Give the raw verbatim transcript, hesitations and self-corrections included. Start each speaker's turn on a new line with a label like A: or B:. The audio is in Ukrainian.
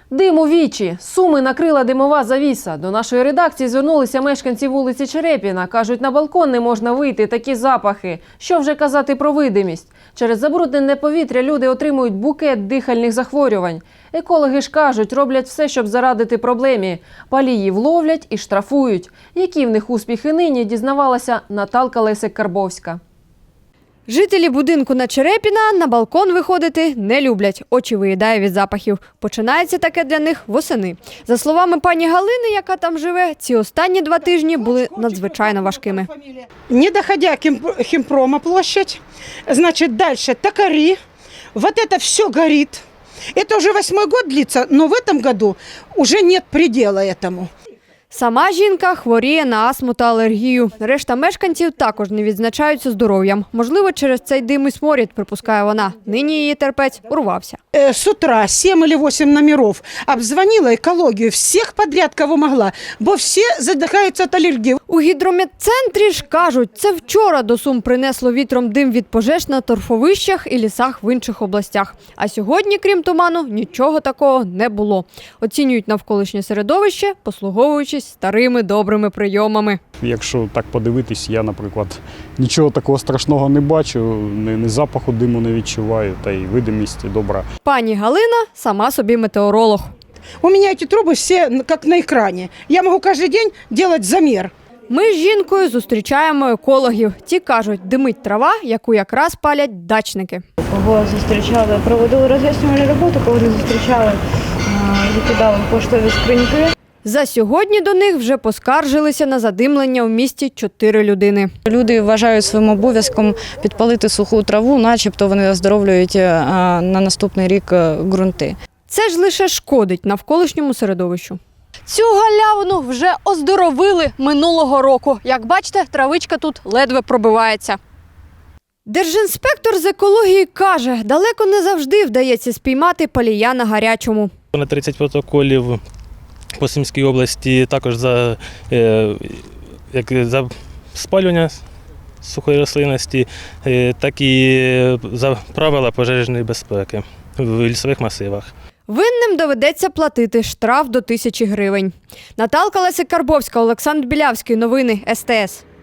A: Дим у вічі. Суми накрила димова завіса. До нашої редакції звернулися мешканці вулиці Черепіна. Кажуть, на балкон не можна вийти, такі запахи. Що вже казати про видимість? Через забруднене повітря люди отримують букет дихальних захворювань. Екологи ж кажуть, роблять все, щоб зарадити проблемі. Паліїв ловлять і штрафують. Які в них успіхи нині, дізнавалася Наталка Лесик-Карбовська.
B: Жителі будинку на Черепіна на балкон виходити не люблять. Очі виїдає від запахів. Починається таке для них восени. За словами пані Галини, яка там живе, ці останні два тижні були надзвичайно важкими.
C: Не доходя Химпрома площадь, значит, дальше Токари, вот это все горит. Это уже восьмой год длится, но в этом году уже нет предела этому.
B: Сама жінка хворіє на астму та алергію. Решта мешканців також не відзначаються здоров'ям. Можливо, через цей дим і сморід, припускає вона. Нині її терпець урвався.
C: С утра семь или восемь номеров обзвонила экологию, всех подряд, кого могла, бо все задыхаются от аллергии.
B: У гідрометцентрі ж кажуть, це вчора до Сум принесло вітром дим від пожеж на торфовищах і лісах в інших областях. А сьогодні, крім туману, нічого такого не було. Оцінюють навколишнє середовище, послуговуючись старими добрими прийомами.
D: Якщо так подивитись, я, наприклад, нічого такого страшного не бачу, ні запаху диму не відчуваю, та й видимість добра.
B: Пані Галина сама собі метеоролог.
C: У меня эти трубы все как на экране. Я могу каждый день делать замер.
B: Ми з жінкою зустрічаємо екологів. Ті кажуть, димить трава, яку якраз палять дачники.
E: Кого зустрічали, проводили роз'яснювальну роботу, кого не зустрічали, викидали поштові скриньки.
B: За сьогодні до них вже поскаржилися на задимлення в місті чотири людини.
F: Люди вважають своїм обов'язком підпалити суху траву, начебто вони оздоровлюють на наступний рік ґрунти.
B: Це ж лише шкодить навколишньому середовищу. Цю галявину вже оздоровили минулого року. Як бачите, травичка тут ледве пробивається. Держінспектор з екології каже, далеко не завжди вдається спіймати палія на гарячому.
G: На тридцять протоколів по Сумській області також за, е, як за спалювання сухої рослинності, е, так і за правила пожежної безпеки в лісових масивах.
B: Винним доведеться платити штраф до тисячі гривень. Наталка Лесик-Карбовська, Олександр Білявський. Новини ес те ес.